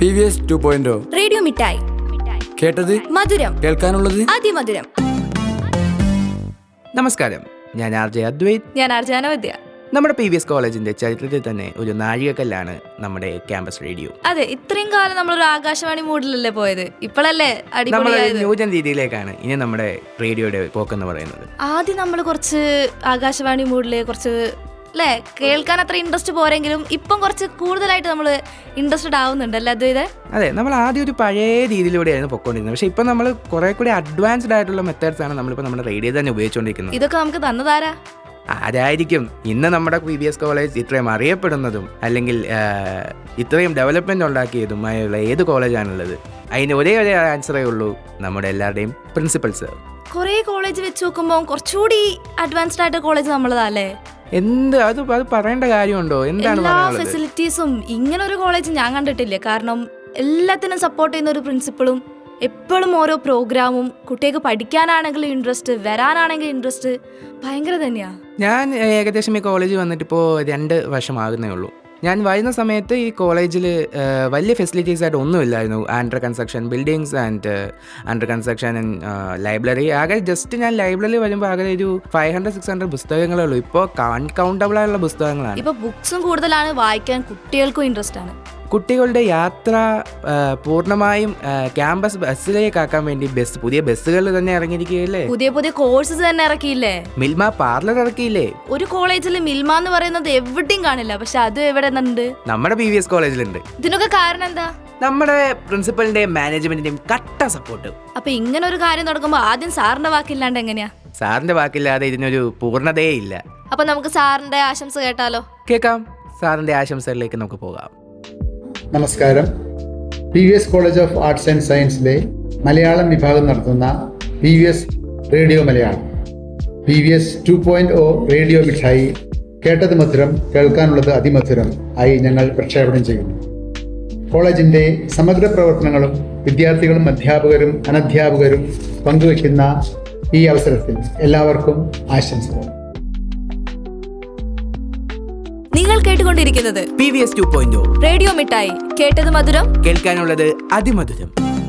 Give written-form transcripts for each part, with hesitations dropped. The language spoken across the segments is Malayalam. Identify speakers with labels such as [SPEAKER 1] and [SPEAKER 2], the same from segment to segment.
[SPEAKER 1] PVS 2.0
[SPEAKER 2] റേഡിയോ മിഠായി.
[SPEAKER 1] കേട്ടത്
[SPEAKER 2] മധുരം,
[SPEAKER 1] കേൾക്കാനുള്ളത്
[SPEAKER 2] അതിമധുരം.
[SPEAKER 3] നമസ്കാരം, ഞാൻ RJ അദ്വൈത്.
[SPEAKER 2] ഞാൻ അർജാനവദ്യ.
[SPEAKER 3] നമ്മുടെ PVS കോളേജിന്റെ ചരിത്രത്തിൽ തന്നെ ഒരു നാഴികക്കല്ലാണ് നമ്മുടെ ക്യാമ്പസ് റേഡിയോ.
[SPEAKER 2] അതെ, ഇത്രയും കാലം നമ്മളൊരു ആകാശവാണി മൂഡിലല്ലേ പോയത്. ഇപ്പോഴല്ലേ അടിപൊളിയായത്.
[SPEAKER 3] ന്യൂജൻ രീതിയിലേക്കാണ് ഇനി നമ്മുടെ റേഡിയോയുടെ പോക്കെന്ന് പറയുന്നത്.
[SPEAKER 2] ആദ്യം നമ്മൾ കുറച്ച് ആകാശവാണി മൂഡില് കുറച്ച് അല്ലേ കേൾക്കാൻ അത്ര ഇൻട്രസ്റ്റ് പോരെങ്കിലും ഇപ്പം കുറച്ച് കൂടുതലായിട്ട് നമ്മൾ ഇൻട്രസ്റ്റഡ് ആവുന്നുണ്ടല്ലേ അദ്വൈത?
[SPEAKER 3] അതെ, നമ്മൾ ആദ്യം ഒരു പഴയ രീതിയിലൂടെയായിരുന്നു പൊക്കോണ്ടിരുന്നത്. പക്ഷെ ഇപ്പം നമ്മൾ കുറെ കൂടി അഡ്വാൻസ്ഡ് ആയിട്ടുള്ള മെത്തേഡ്സ് ആണ് നമ്മളിപ്പോൾ നമ്മുടെ റേഡിയോ തന്നെ ഉപയോഗിച്ചുകൊണ്ടിരിക്കുന്നത്.
[SPEAKER 2] ഇതൊക്കെ നമുക്ക് തന്നതാരാ?
[SPEAKER 3] ആരായിരിക്കും ഇന്ന് നമ്മുടെ PVS കോളേജ് ഇത്രയും അറിയപ്പെടുന്നതും അല്ലെങ്കിൽ ഇത്രയും ഡെവലപ്മെന്റ് ഉണ്ടാക്കിയതുമായുള്ള ഏത് കോളേജാണുള്ളത്? അതിന് ഒരേ ആൻസറേ ഉള്ളൂ, നമ്മുടെ എല്ലാവരുടെയും പ്രിൻസിപ്പൽ സർ.
[SPEAKER 2] കുറേ കോളേജ് വെച്ച് നോക്കുമ്പോൾ കുറച്ചുകൂടി അഡ്വാൻസ്ഡ് ആയിട്ട് കോളേജ് നമ്മളതല്ലേ?
[SPEAKER 3] അത് പറയേണ്ട കാര്യമുണ്ടോ? എന്താണ്
[SPEAKER 2] എല്ലാ ഫെസിലിറ്റീസും ഇങ്ങനെ ഒരു കോളേജ് ഞാൻ കണ്ടിട്ടില്ല. കാരണം എല്ലാത്തിനും സപ്പോർട്ട് ചെയ്യുന്ന ഒരു പ്രിൻസിപ്പളും എപ്പോഴും ഓരോ പ്രോഗ്രാമും കുട്ടികൾക്ക് പഠിക്കാനാണെങ്കിലും ഇൻട്രസ്റ്റ്, വരാനാണെങ്കിലും ഇൻട്രസ്റ്റ് ഭയങ്കര തന്നെയാ.
[SPEAKER 3] ഞാൻ ഏകദേശം ഈ കോളേജ് വന്നിട്ട് ഇപ്പോൾ 2 വർഷമാകുന്നേ ഉള്ളൂ. ഞാൻ വരുന്ന സമയത്ത് ഈ കോളേജിൽ വലിയ ഫെസിലിറ്റീസ് ആയിട്ട് ഒന്നുമില്ലായിരുന്നു. Under construction buildings and under construction and library. ആകെ ജസ്റ്റ് ഞാൻ ലൈബ്രറി വരുമ്പോൾ ആകെ ഒരു 500-600 പുസ്തകങ്ങളേ ഉള്ളൂ. ഇപ്പോൾ കൗണ്ടബിൾ ആയിട്ടുള്ള പുസ്തകങ്ങളാണ്.
[SPEAKER 2] ഇപ്പോൾ ബുക്സും കൂടുതലാണ്, വായിക്കാൻ കുട്ടികൾക്കും ഇൻട്രസ്റ്റ് ആണ്.
[SPEAKER 3] കുട്ടികളുടെ യാത്ര പൂർണ്ണമായും ക്യാമ്പസ് ബസ്സിലേക്കാക്കാൻ വേണ്ടി പുതിയ ബസ്സുകൾ തന്നെ ഇറങ്ങിയിരിക്കുകയല്ലേ.
[SPEAKER 2] പുതിയ കോഴ്സസ് തന്നെ ഇറക്കിയില്ലേ.
[SPEAKER 3] മിൽമ പാർലർ ഇറക്കിയില്ലേ.
[SPEAKER 2] ഒരു കോളേജിൽ മിൽമ എന്ന് പറയുന്നത് എവിടെയും കാണില്ല, പക്ഷെ അത് എവിടെ ഉണ്ട്?
[SPEAKER 3] നമ്മുടെ PVS കോളേജിലുണ്ട്.
[SPEAKER 2] ഇതിനൊക്കെ കാരണം എന്താ?
[SPEAKER 3] നമ്മുടെ പ്രിൻസിപ്പലിന്റെയും മാനേജ്മെന്റിന്റെയും കട്ട സപ്പോർട്ട്.
[SPEAKER 2] അപ്പൊ ഇങ്ങനെ ഒരു കാര്യം നടക്കുമ്പോ ആദ്യം സാറിന്റെ വാക്കില്ലാണ്ട് എങ്ങനെയാ?
[SPEAKER 3] സാറിന്റെ വാക്കില്ലാതെ ഇതിനൊരു പൂർണ്ണതയേ ഇല്ല.
[SPEAKER 2] അപ്പൊ നമുക്ക് സാറിന്റെ ആശംസ കേട്ടാലോ?
[SPEAKER 3] കേൾക്കാം. സാറിന്റെ ആശംസകളിലേക്ക് നമുക്ക് പോകാം.
[SPEAKER 4] നമസ്കാരം. PVS college of arts and സയൻസിലെ മലയാളം വിഭാഗം നടത്തുന്ന PVS radio Malayalam PVS 2.0 radio മിഠായി കേട്ടത് മധുരം, കേൾക്കാനുള്ളത് അതിമധുരം ആയി ഞങ്ങൾ പ്രക്ഷേപണം ചെയ്യുന്നു. കോളേജിൻ്റെ സമഗ്ര പ്രവർത്തനങ്ങളും വിദ്യാർത്ഥികളും അധ്യാപകരും അനധ്യാപകരും പങ്കുവയ്ക്കുന്ന ഈ അവസരത്തിൽ എല്ലാവർക്കും ആശംസകൾ.
[SPEAKER 2] നിങ്ങൾ കേട്ടുകൊണ്ടിരിക്കുന്നത്
[SPEAKER 3] PVS 2.0
[SPEAKER 2] റേഡിയോ മിഠായി, കേട്ടത് മധുരം,
[SPEAKER 3] കേൾക്കാനുള്ളത് അതിമധുരം.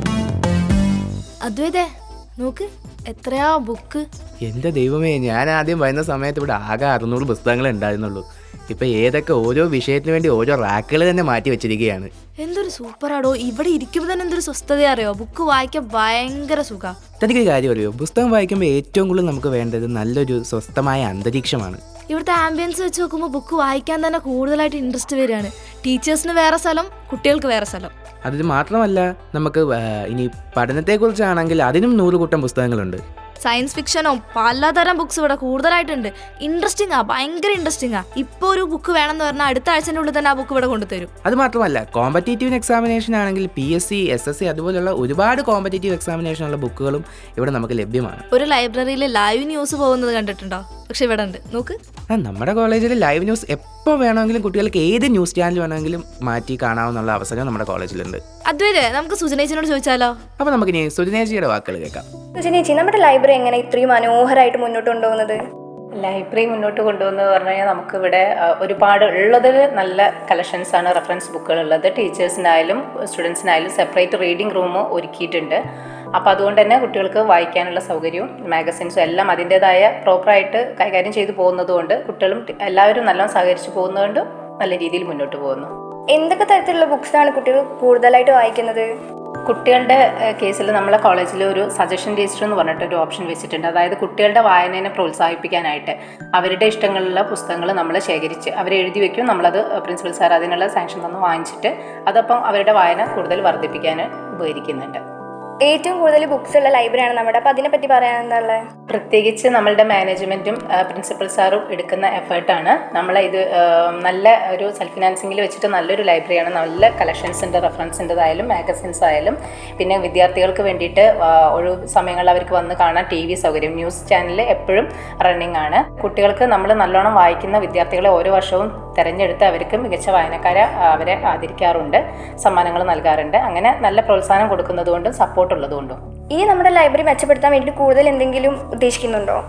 [SPEAKER 2] അദ്വൈതേ നോക്ക്, എത്രയാ ബുക്ക്!
[SPEAKER 3] എന്റെ ദൈവമേ, ഞാൻ ആദ്യം വരുന്ന സമയത്ത് ഇവിടെ ആകെ 600 പുസ്തകങ്ങൾ ഉണ്ടായിരുന്നുള്ളൂ. ഇപ്പൊ ഏതൊക്കെ ഓരോ വിഷയത്തിന് വേണ്ടി ഓരോ റാക്കുകൾ തന്നെ മാറ്റി വെച്ചിരിക്കുകയാണ്.
[SPEAKER 2] എന്തൊരു സൂപ്പറാടോ! ഇവിടെ ഇരിക്കുമ്പോൾ തന്നെ എന്തൊരു സ്വസ്ഥത അറിയോ. ബുക്ക് വായിക്കാൻ ഭയങ്കര സുഖ.
[SPEAKER 3] തനിക്കൊരു കാര്യം അറിയോ, പുസ്തകം വായിക്കുമ്പോൾ ഏറ്റവും കൂടുതൽ നമുക്ക് വേണ്ടത് നല്ലൊരു സ്വസ്ഥമായ അന്തരീക്ഷമാണ്.
[SPEAKER 2] ഇവിടുത്തെ ആംബിയൻസ് വെച്ച് നോക്കുമ്പോൾ ബുക്ക് വായിക്കാൻ തന്നെ കൂടുതലായിട്ട് ഇൻട്രസ്റ്റ് വരികയാണ്. ടീച്ചേഴ്സിന് വേറെ സ്ഥലം, കുട്ടികൾക്ക് വേറെ സ്ഥലം.
[SPEAKER 3] അത് മാത്രമല്ല, നമുക്ക് ഇനി പഠനത്തെക്കുറിച്ചാണെങ്കിൽ അതിനും 100 കൂട്ടം പുസ്തകങ്ങളുണ്ട്.
[SPEAKER 2] സയൻസ് ഫിക്ഷനോ പലതരം ബുക്സ് ഇവിടെ കൂടുതലായിട്ടുണ്ട്. ഇൻട്രസ്റ്റിംഗ് ആ, ഭയങ്കര ഇൻട്രസ്റ്റിംഗ് ആ. ഇപ്പോൾ ഒരു ബുക്ക് വേണമെന്ന് പറഞ്ഞാൽ അടുത്ത ആഴ്ചൻ്റെ ഉള്ളിൽ തന്നെ ആ ബുക്ക് ഇവിടെ കൊണ്ടുതരും.
[SPEAKER 3] അത് മാത്രമല്ല, കോമ്പറ്റേറ്റീവ് എക്സാമിനേഷൻ ആണെങ്കിൽ PSC, SSC അതുപോലുള്ള ഒരുപാട് കോമ്പറ്റേറ്റീവ് എക്സാമിനേഷനുള്ള ബുക്കുകളും ഇവിടെ നമുക്ക് ലഭ്യമാണ്.
[SPEAKER 2] ഒരു ലൈബ്രറിയിൽ ലൈവ് ന്യൂസ് പോകുന്നത് കണ്ടിട്ടുണ്ടോ? പക്ഷെ ഇവിടെ ഉണ്ട്, നോക്ക്.
[SPEAKER 3] നമ്മുടെ കോളേജിൽ ലൈവ് ന്യൂസ് എപ്പോൾ വേണമെങ്കിലും കുട്ടികൾക്ക് ഏത് ന്യൂസ് ചാനൽ വേണമെങ്കിലും മാറ്റി കാണാവുന്ന അവസരം നമ്മുടെ കോളേജിലുണ്ട്.
[SPEAKER 2] അദ്വൈതേ, നമുക്ക് സുജനേച്ചിനോട് ചോദിച്ചാലോ?
[SPEAKER 3] അപ്പോൾ നമുക്കിനി സുജനേച്ചിയുടെ വാക്കുകൾ കേൾക്കാം.
[SPEAKER 5] സുജനേച്ചി, നമ്മുടെ ലൈബ്രറി എങ്ങനെ ഇത്രയും മനോഹരമായിട്ട് മുന്നോട്ട് കൊണ്ടുപോകുന്നത്?
[SPEAKER 6] ലൈബ്രറി മുന്നോട്ട് കൊണ്ടുപോകുന്നത് പറഞ്ഞു കഴിഞ്ഞാൽ നമുക്കിവിടെ ഒരുപാട് ഉള്ളതിൽ നല്ല കളക്ഷൻസാണ്, റെഫറൻസ് ബുക്കുകൾ ഉള്ളത്. ടീച്ചേഴ്സിനായാലും സ്റ്റുഡൻസിനായാലും സെപ്പറേറ്റ് റീഡിംഗ് റൂം ഒരുക്കിയിട്ടുണ്ട്. അപ്പോൾ അതുകൊണ്ട് തന്നെ കുട്ടികൾക്ക് വായിക്കാനുള്ള സൗകര്യവും മാഗസിൻസും എല്ലാം അതിൻ്റേതായ പ്രോപ്പറായിട്ട് കൈകാര്യം ചെയ്തു പോകുന്നതുകൊണ്ട് കുട്ടികളും എല്ലാവരും നല്ലോണം സഹകരിച്ച് പോകുന്നതുകൊണ്ട് നല്ല രീതിയിൽ മുന്നോട്ട് പോകുന്നു.
[SPEAKER 5] എന്തൊക്കെ തരത്തിലുള്ള ബുക്സാണ് കുട്ടികൾ കൂടുതലായിട്ട് വായിക്കുന്നത്?
[SPEAKER 6] കുട്ടികളുടെ കേസിൽ നമ്മളെ കോളേജിൽ ഒരു സജഷൻ രജിസ്റ്റർ എന്ന് പറഞ്ഞിട്ടൊരു ഓപ്ഷൻ വെച്ചിട്ടുണ്ട്. അതായത് കുട്ടികളുടെ വായനയെ പ്രോത്സാഹിപ്പിക്കാനായിട്ട് അവരുടെ ഇഷ്ടങ്ങളുള്ള പുസ്തകങ്ങൾ നമ്മൾ ശേഖരിച്ച് അവരെ എഴുതി വയ്ക്കും. നമ്മളത് പ്രിൻസിപ്പൽ സാർ അതിനുള്ള സാങ്ഷൻ തന്ന് വാങ്ങിച്ചിട്ട് അതപ്പം അവരുടെ വായന കൂടുതൽ വർദ്ധിപ്പിക്കാൻ ഉപകരിക്കുന്നുണ്ട്.
[SPEAKER 5] ഏറ്റവും കൂടുതൽ ബുക്സ് ഉള്ള ലൈബ്രറിയാണ് നമ്മുടെ. അപ്പോൾ അതിനെപ്പറ്റി പറയാൻ എന്താ ഉള്ളത്?
[SPEAKER 6] പ്രത്യേകിച്ച് നമ്മളുടെ മാനേജ്മെൻറ്റും പ്രിൻസിപ്പൽ സാറും എടുക്കുന്ന എഫേർട്ടാണ്. നമ്മളെ ഇത് നല്ല ഒരു സെൽഫ് ഫിനാൻസിങ്ങിൽ വെച്ചിട്ട് നല്ലൊരു ലൈബ്രറിയാണ്. നല്ല കളക്ഷൻസിൻ്റെ റെഫറൻസിൻ്റെതായാലും മാഗസിൻസ് ആയാലും പിന്നെ വിദ്യാർത്ഥികൾക്ക് വേണ്ടിയിട്ട് ഒഴിവ് സമയങ്ങളിൽ അവർക്ക് വന്ന് കാണാൻ TV സൗകര്യം, ന്യൂസ് ചാനൽ എപ്പോഴും റണ്ണിങ് ആണ്. കുട്ടികൾക്ക് നമ്മൾ നല്ലോണം വായിക്കുന്ന വിദ്യാർത്ഥികളെ ഓരോ വർഷവും തിരഞ്ഞെടുത്ത് അവർക്ക് മികച്ച വായനക്കാരെ അവരെ ആദരിക്കാറുണ്ട്, സമ്മാനങ്ങൾ നൽകാറുണ്ട്. അങ്ങനെ നല്ല പ്രോത്സാഹനം കൊടുക്കുന്നതുകൊണ്ടും സപ്പോർട്ട് ഉള്ളതുകൊണ്ടും.
[SPEAKER 5] ഈ നമ്മുടെ ലൈബ്രറി മെച്ചപ്പെടുത്താൻ വേണ്ടി കൂടുതൽ എന്തെങ്കിലും ഉദ്ദേശിക്കുന്നുണ്ടോ?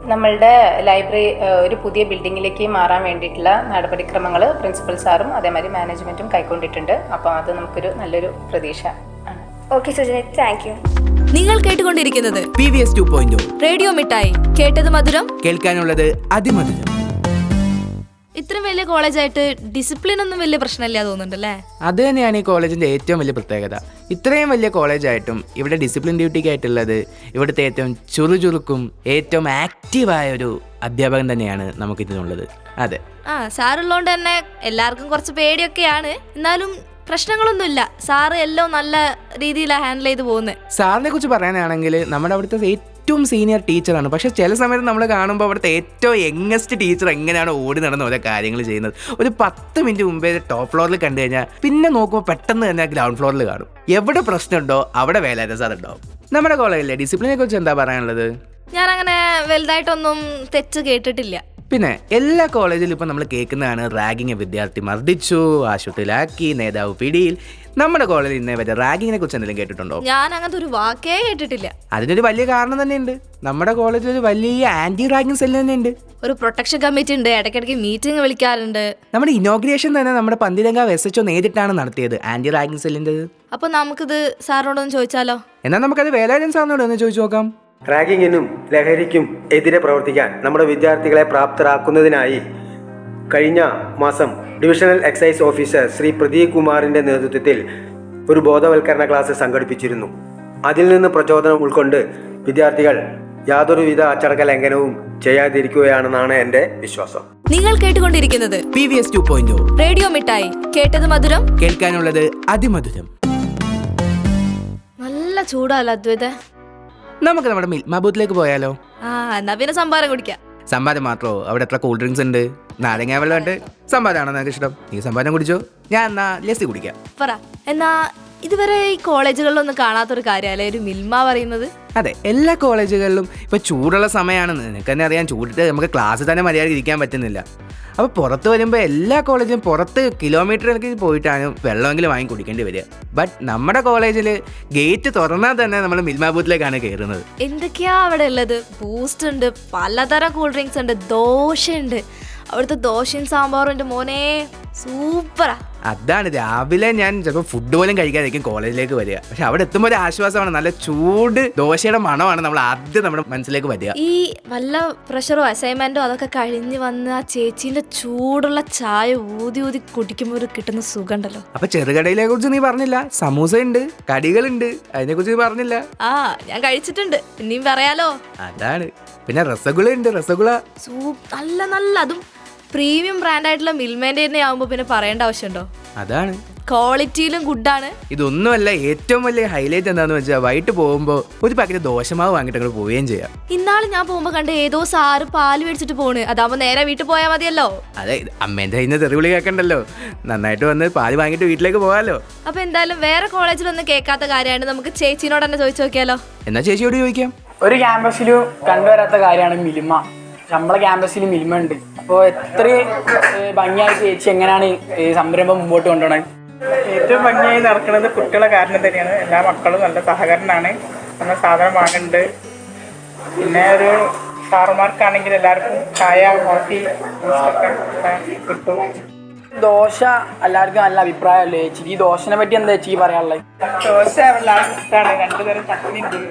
[SPEAKER 6] നമ്മളുടെ ലൈബ്രറി ഒരു പുതിയ ബിൽഡിങ്ങിലേക്ക് മാറാൻ വേണ്ടിയിട്ടുള്ള നടപടിക്രമങ്ങൾ പ്രിൻസിപ്പൽ സാറും അതേമാതിരി മാനേജ്മെൻറ്റും കൈക്കൊണ്ടിട്ടുണ്ട്. അപ്പോൾ അത് നമുക്കൊരു നല്ലൊരു പ്രതീക്ഷ ആണ്.
[SPEAKER 5] Okay Sujana, thank you.
[SPEAKER 2] നിങ്ങൾ കേട്ടുകൊണ്ടിരിക്കുന്നത്
[SPEAKER 3] PVS 2.0
[SPEAKER 2] റേഡിയോ മിഠായി, കേട്ടത് മധുരം,
[SPEAKER 3] കേൾക്കാനുള്ളത് അതിമധുരം.
[SPEAKER 2] ഇത്രയും വലിയ കോളേജായിട്ട് ഡിസിപ്ലിൻ ഒന്നും വലിയ പ്രശ്നമില്ല തോന്നുന്നുണ്ടല്ലേ?
[SPEAKER 3] അത് തന്നെയാണ് ഈ കോളേജിൻ്റെ ഏറ്റവും വലിയ പ്രത്യേകത. ഇത്രയും വലിയ കോളേജായിട്ടും ഇവിടെ ഡിസിപ്ലിൻ ഡ്യൂട്ടിക്കായിട്ടുള്ളത് ഇവിടുത്തെ ഏറ്റവും ചുറുചുറുക്കും ഏറ്റവും ആക്റ്റീവായ ഒരു അധ്യാപകൻ തന്നെയാണ് നമുക്കിതിനുള്ളത്. അതെ,
[SPEAKER 2] സാറുള്ളതുകൊണ്ട് തന്നെ എല്ലാവർക്കും കുറച്ച് പേടിയൊക്കെയാണ്, എന്നാലും പ്രശ്നങ്ങളൊന്നുമില്ല. സാറ് എല്ലാം നല്ല രീതിയിലാണ് ഹാൻഡിൽ ചെയ്ത് പോകുന്നത്.
[SPEAKER 3] സാറിനെ കുറിച്ച് പറയാനാണെങ്കിൽ നമ്മുടെ അവിടുത്തെ ഏറ്റവും സീനിയർ ടീച്ചറാണ്. പക്ഷേ ചില സമയത്ത് നമ്മൾ കാണുമ്പോൾ അവിടുത്തെ ഏറ്റവും യങ്ങസ്റ്റ് ടീച്ചർ എങ്ങനെയാണ് ഓടി നടന്ന് ഓരോ കാര്യങ്ങൾ ചെയ്യുന്നത്. ഒരു 10 മിനിറ്റ് മുമ്പേ ടോപ്പ് ഫ്ലോറിൽ കണ്ടു കഴിഞ്ഞാൽ പിന്നെ നോക്കുമ്പോൾ പെട്ടെന്ന് തന്നെ ഗ്രൗണ്ട് ഫ്ലോറിൽ കാണും. എവിടെ പ്രശ്നമുണ്ടോ അവിടെ വേലായുധ സാർ ഉണ്ടാവും. നമ്മുടെ കോളേജിലെ ഡിസിപ്ലിനെ കുറിച്ച് എന്താ പറയാനുള്ളത്?
[SPEAKER 2] ഞാനങ്ങനെ വലുതായിട്ടൊന്നും തെറ്റ് കേട്ടിട്ടില്ല.
[SPEAKER 3] പിന്നെ എല്ലാ കോളേജിലും ഇപ്പം നമ്മൾ കേൾക്കുന്നതാണ് റാഗിങ്, വിദ്യാർത്ഥി മർദ്ദിച്ചു, ആശുപത്രിയിലാക്കി, നേതാവ് പിടിയിൽ. നമ്മുടെ കോളേജിൽ ഇന്നേ വരെ റാഗിങ്ങിനെ കുറിച്ച് എന്തെങ്കിലും കേട്ടിട്ടുണ്ടോ?
[SPEAKER 2] ഞാൻ അങ്ങനത്തെ ഒരു വാക്കേ കേട്ടിട്ടില്ല.
[SPEAKER 3] അതിനൊരു വലിയ കാരണം തന്നെയുണ്ട്. നമ്മുടെ കോളേജിൽ ഒരു വലിയ ആന്റി റാഗിങ് സെല്ല് തന്നെയുണ്ട്.
[SPEAKER 2] ഒരു പ്രൊട്ടക്ഷൻ കമ്മിറ്റി ഉണ്ട്, ഇടയ്ക്കിടയ്ക്ക് മീറ്റിംഗ് വിളിക്കാറുണ്ട്.
[SPEAKER 3] നമ്മുടെ ഇനോഗ്രേഷൻ തന്നെ നമ്മുടെ പന്തിരങ്കാവ് SHO നേരിട്ടാണ് നടത്തിയത്, ആന്റി റാഗിങ് സെല്ലിൻ്റെ.
[SPEAKER 2] അപ്പൊ നമുക്കിത് സാറിനോടൊന്ന് ചോദിച്ചാലോ?
[SPEAKER 3] എന്നാൽ നമുക്കത് വേലായുധൻ സാറിനോട് ഒന്ന് ചോദിച്ചു നോക്കാം.
[SPEAKER 7] റാഗിങ്ങിനും ലഹരിക്കും എതിരെ പ്രവർത്തിക്കാൻ നമ്മുടെ വിദ്യാർത്ഥികളെ പ്രാപ്തരാക്കുന്നതിനായി കഴിഞ്ഞ മാസം divisional excise officer Shri Pradeep കുമാറിൻ്റെ നേതൃത്വത്തിൽ ഒരു ബോധവൽക്കരണ ക്ലാസ് സംഘടിപ്പിച്ചിരുന്നു. അതിൽ നിന്ന് പ്രചോദനം ഉൾക്കൊണ്ട് വിദ്യാർത്ഥികൾ യാതൊരുവിധ അച്ചടക്ക ലംഘനവും ചെയ്യാതിരിക്കുകയാണെന്നാണ് എൻ്റെ വിശ്വാസം.
[SPEAKER 2] നിങ്ങൾ കേട്ടുകൊണ്ടിരിക്കുന്നത്
[SPEAKER 3] PVS 2.0
[SPEAKER 2] റേഡിയോ മിഠായി, കേട്ടത് മധുരം,
[SPEAKER 3] കേൾക്കാനുള്ളത് അതിമധുരം.
[SPEAKER 2] നല്ല ചൂടല്ല അദ്വൈത?
[SPEAKER 3] നമുക്ക് നമ്മുടെ മിൽമ ബൂത്തിലേക്ക് പോയാലോ?
[SPEAKER 2] എന്നാ പിന്നെ സംഭാരം കുടിക്കാം.
[SPEAKER 3] സംഭാരം മാത്രമോ? അവിടെ എത്ര കൂൾ ഡ്രിങ്ക്സ് ഉണ്ട്? നാരങ്ങ വെള്ളമുണ്ട്. സംഭാരമാണോ നിനക്ക് ഇഷ്ടം? നീ സംഭാരം കുടിച്ചോ, ഞാൻ എന്നാ ലസ്സി കുടിക്കാം.
[SPEAKER 2] പറ. എന്നാ ഇതുവരെ ഈ കോളേജുകളിലൊന്നും കാണാത്തൊരു കാര്യമല്ലേ ഒരു മിൽമ പറയുന്നത്?
[SPEAKER 3] അതെ, എല്ലാ കോളേജുകളിലും ഇപ്പോൾ ചൂടുള്ള സമയമാണെന്ന് നിനക്ക് തന്നെ അറിയാം. ചൂടിട്ട് നമുക്ക് ക്ലാസ്സിൽ തന്നെ മര്യാദ ഇരിക്കാൻ പറ്റുന്നില്ല. അപ്പോൾ പുറത്ത് വരുമ്പോൾ എല്ലാ കോളേജിലും പുറത്ത് കിലോമീറ്ററിലേക്ക് പോയിട്ടാണ് വെള്ളമെങ്കിലും വാങ്ങി കുടിക്കേണ്ടി വരിക. ബട്ട് നമ്മുടെ കോളേജിൽ ഗേറ്റ് തുറന്നാൽ തന്നെ നമ്മൾ മിൽമ ബൂത്തിലേക്കാണ് കയറുന്നത്.
[SPEAKER 2] എന്തൊക്കെയാ അവിടെ ഉള്ളത്? ബൂസ്റ്റ് ഉണ്ട്, പലതരം കൂൾ ഡ്രിങ്ക്സ് ഉണ്ട്, ദോശയുണ്ട്. അവിടുത്തെ ദോശയും സാമ്പാറും എൻ്റെ മോനെ സൂപ്പറാ.
[SPEAKER 3] അതാണ് രാവിലെ ഞാൻ ചിലപ്പോൾ ഫുഡ് പോലും കഴിക്കാതിരിക്കും കോളേജിലേക്ക് വരിക. പക്ഷെ അവിടെ എത്തുമ്പോൾ ഒരു ആശ്വാസമാണ്. നല്ല ചൂട് ദോശയുടെ മണമാണ് നമ്മൾ ആദ്യം നമ്മുടെ മനസ്സിലേക്ക് വരിക.
[SPEAKER 2] ഈ വല്ല പ്രഷറോ അസൈൻമെന്റോ അതൊക്കെ കഴിഞ്ഞ് വന്ന് ആ ചേച്ചീന്റെ ചൂടുള്ള ചായ ഊതി ഊതി കുടിക്കുമ്പോൾ ഒരു കിട്ടുന്ന സുഖം ഉണ്ടല്ലോ.
[SPEAKER 3] അപ്പൊ ചെറുകടയിലെ കുറിച്ച് നീ പറഞ്ഞില്ല. സമൂസ ഉണ്ട്, കടികളുണ്ട്, അതിനെ കുറിച്ച് നീ പറഞ്ഞില്ല.
[SPEAKER 2] ഞാൻ കഴിച്ചിട്ടുണ്ട്, പിന്നെയും പറയാലോ.
[SPEAKER 3] അതാണ്. പിന്നെ രസഗുള ഉണ്ട്, രസഗുള
[SPEAKER 2] നല്ല നല്ല, അതും പ്രീമിയം ബ്രാൻഡായിട്ടുള്ള മിൽമേൻ്റെ തന്നെ ആവുമ്പോൾ പിന്നെ പറയേണ്ട ആവശ്യമുണ്ടോ?
[SPEAKER 3] അതാണ്.
[SPEAKER 2] ക്വാളിറ്റിയിലും ഗുഡാണ്.
[SPEAKER 3] ഇതൊന്നുമല്ല, ഏറ്റവും വലിയ ഹൈലൈറ്റ് എന്താന്ന് വെച്ചാൽ വൈകിട്ട് പോകുമ്പോൾ ഒരു പാക്കറ്റ് ദോശമാവ് വാങ്ങിയിട്ട് അങ്ങോട്ട് പോവുകയും ചെയ്യാം.
[SPEAKER 2] ഇന്നാള് ഞാൻ പോകുമ്പോൾ കണ്ട് ഏതോ സാറ് പാല് മേടിച്ചിട്ട് പോണ്. അതാവുമ്പോൾ നേരെ വീട്ടിൽ പോയാൽ മതിയല്ലോ. അതെ,
[SPEAKER 3] അമ്മേന്റെ കയ്യിൽ നിന്ന് തെറിവിളി കേൾക്കണ്ടല്ലോ. നന്നായിട്ട് വന്ന് പാല് വാങ്ങിയിട്ട് വീട്ടിലേക്ക് പോകാമല്ലോ.
[SPEAKER 2] അപ്പൊ എന്തായാലും വേറെ കോളേജിലൊന്നും കേൾക്കാത്ത കാര്യമാണ്, നമുക്ക് ചേച്ചിനോട് തന്നെ ചോദിച്ചു നോക്കിയാലോ?
[SPEAKER 3] എന്നാ ചേച്ചിയോട് ചോദിക്കാം.
[SPEAKER 8] ഒരു ക്യാമ്പസിലും കണ്ടുവരാത്ത കാര്യമാണ് മിൽമ. നമ്മളെ ക്യാമ്പസിൽ മിൽമ ഉണ്ട്. അപ്പോൾ എത്ര ഭംഗിയായി ചേച്ചി എങ്ങനെയാണ് ഈ സംരംഭം മുമ്പോട്ട് കൊണ്ടുപോകണത്?
[SPEAKER 9] ഏറ്റവും ഭംഗിയായി നടക്കുന്നത് കുട്ടികളെ കാരണം തന്നെയാണ്. എല്ലാ മക്കളും നല്ല സഹകരണമാണ്. നമ്മൾ സാധനം വാങ്ങുന്നുണ്ട്. പിന്നെ ഒരു സാറുമാർക്കാണെങ്കിൽ എല്ലാവർക്കും ചായ, കോഫി, ഒക്കെ കിട്ടും.
[SPEAKER 8] ദോശ എല്ലാവർക്കും നല്ല അഭിപ്രായമല്ലേ ചേച്ചി? ഈ ദോശനെ പറ്റി എന്താ ചേച്ചി പറയാനുള്ളത്?
[SPEAKER 9] ദോശ എല്ലാവർക്കും ഇഷ്ടമാണ്. 2 തരം ചട്നി ഉണ്ട്.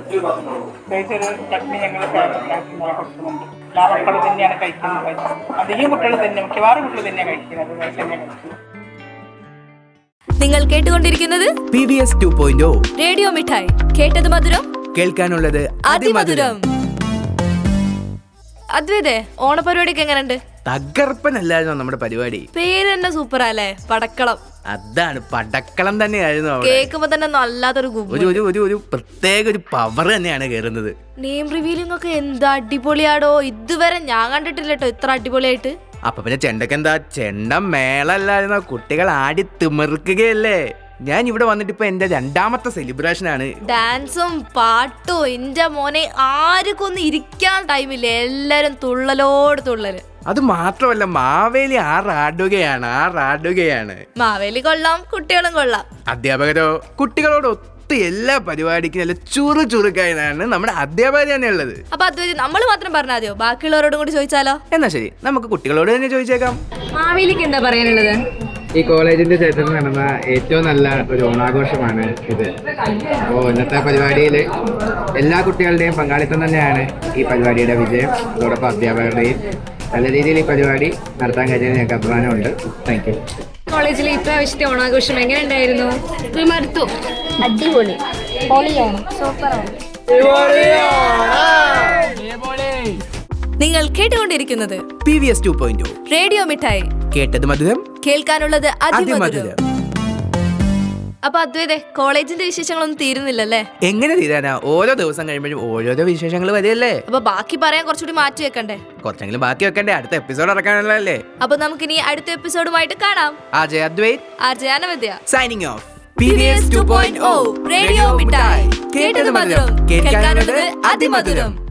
[SPEAKER 9] ഒരു ചട്നി ഞങ്ങൾ കൊടുക്കുന്നുണ്ട്. എല്ലാ മക്കളും തന്നെയാണ് കഴിക്കുന്നത്. അധികം കുട്ടികൾ തന്നെ, മിക്കവാറും കുട്ടികൾ തന്നെയാണ് കഴിക്കുന്നത്. ദോശ തന്നെയാണ് കഴിക്കുന്നത്.
[SPEAKER 2] നിങ്ങൾ കേട്ടുകൊണ്ടിരിക്കുന്നത്
[SPEAKER 3] PVS 2.0
[SPEAKER 2] റേഡിയോ മിഠായി, കേട്ടത് മധുരം,
[SPEAKER 3] കേൾക്കാനുള്ളത് അതിമധുരം.
[SPEAKER 2] അദ്വൈതേ, ഓണപരിപാടിയൊക്കെ എങ്ങനെയുണ്ട്?
[SPEAKER 3] തകർപ്പനല്ലായിരുന്നോ നമ്മുടെ പരിപാടി?
[SPEAKER 2] പേര് തന്നെ സൂപ്പറല്ലേ, പടക്കളം.
[SPEAKER 3] അതാണ്, പടക്കളം തന്നെയായിരുന്നു.
[SPEAKER 2] കേൾക്കുമ്പോ തന്നെ നല്ലാത്തൊരു
[SPEAKER 3] ഒരു പ്രത്യേക ഒരു പവർ തന്നെയാണ് കയറുന്നത്.
[SPEAKER 2] നെയിം റിവീലിംഗ് ഒക്കെ എന്താ അടിപൊളിയാടോ. ഇതുവരെ ഞാൻ കണ്ടിട്ടില്ല കേട്ടോ ഇത്ര അടിപൊളിയായിട്ട്.
[SPEAKER 3] അപ്പൊ പിന്നെ ചെണ്ടക്കെന്താ, ചെണ്ട മേളല്ലായിരുന്നോ? കുട്ടികൾ ആടി തിമിർക്കുകയല്ലേ. ഞാൻ ഇവിടെ വന്നിട്ട് ഇപ്പൊ എന്റെ 2ാമത്തെ സെലിബ്രേഷൻ ആണ്.
[SPEAKER 2] ഡാൻസും പാട്ടും, എന്റെ മോനെ ആർക്കൊന്നും ഇരിക്കാൻ ടൈമില്ല, എല്ലാരും തുള്ളലോട് തുള്ളല്.
[SPEAKER 3] അത് മാത്രമല്ല, മാവേലി ആറാടുകയാണ്.
[SPEAKER 2] മാവേലി കൊള്ളാം, കുട്ടികളും കൊള്ളാം.
[SPEAKER 3] അധ്യാപകരോ കുട്ടികളോട് മൊത്തം എല്ലാ പരിപാടിക്കും നല്ല ചുറുചുറുക്കായാണ് നമ്മുടെ അധ്യാപകർ തന്നെ ഉള്ളത്.
[SPEAKER 2] അപ്പൊ അതുവരെ നമ്മൾ മാത്രം പറഞ്ഞാൽ മതിയോ? ബാക്കിയുള്ളവരോടും കൂടി ചോദിച്ചാലോ?
[SPEAKER 3] എന്നാ ശരി, നമുക്ക് കുട്ടികളോട് തന്നെ ചോദിച്ചേക്കാം.
[SPEAKER 10] മാവേലിക്ക് എന്താ പറയാനുള്ളത്?
[SPEAKER 3] ഈ കോളേജിന്റെ ചരിത്രത്തിൽ നടന്ന ഏറ്റവും നല്ല ഒരു ഓണാഘോഷമാണ് ഇത്. അപ്പോൾ ഇന്നത്തെ പരിപാടിയിൽ എല്ലാ കുട്ടികളുടെയും പങ്കാളിത്തം തന്നെയാണ് ഈ പരിപാടിയുടെ വിജയം. അതോടൊപ്പം അധ്യാപകരുടെയും നല്ല രീതിയിൽ ഈ പരിപാടി നടത്താൻ കഴിഞ്ഞാൽ ഞങ്ങൾക്ക് അഭിമാനമുണ്ട്. Thank you.
[SPEAKER 10] കോളേജിലെ ഇപ്രാവശ്യത്തെ ഓണാഘോഷം എങ്ങനെ ഉണ്ടായിരുന്നു? മടുത്തു.
[SPEAKER 5] അടിപൊളി, പൊളിയാണ്, സൂപ്പറാണ്.
[SPEAKER 2] നിങ്ങൾ കേട്ടുകൊണ്ടിരിക്കുന്നത്
[SPEAKER 3] PVS 2.0
[SPEAKER 2] റേഡിയോ മിഠായി.
[SPEAKER 3] കേട്ടത് മധുരം,
[SPEAKER 2] കേൾക്കാനുള്ളത് അതിമധുരം.
[SPEAKER 3] അതിമധുരം.
[SPEAKER 2] അപ്പൊ അദ്വൈതേ, കോളേജിന്റെ വിശേഷങ്ങളൊന്നും തീരുന്നില്ലല്ലേ?
[SPEAKER 3] എങ്ങനെ തീരാനാ? ഓരോ ദിവസം കഴിയുമ്പോഴും ഓരോരോ വിശേഷങ്ങൾ വരികയല്ലേ.
[SPEAKER 2] അപ്പൊ ബാക്കി പറയാൻ കുറച്ചുകൂടി മാറ്റി വെക്കണ്ടേ?
[SPEAKER 3] കുറച്ചെങ്കിലും ബാക്കി വെക്കണ്ടേ? അടുത്ത എപ്പിസോഡ് ഇറക്കാനുള്ളതല്ലേ.
[SPEAKER 2] അപ്പൊ നമുക്കിനി അടുത്ത എപ്പിസോഡുമായിട്ട് കാണാം.
[SPEAKER 3] Ajay Advaith
[SPEAKER 2] RJ Anavidya
[SPEAKER 3] signing off.
[SPEAKER 2] PVS 2.0 radio മിഠായി. കേട്ടത് മധുരം, കേൾക്കാനുള്ളത് അതിമധുരം.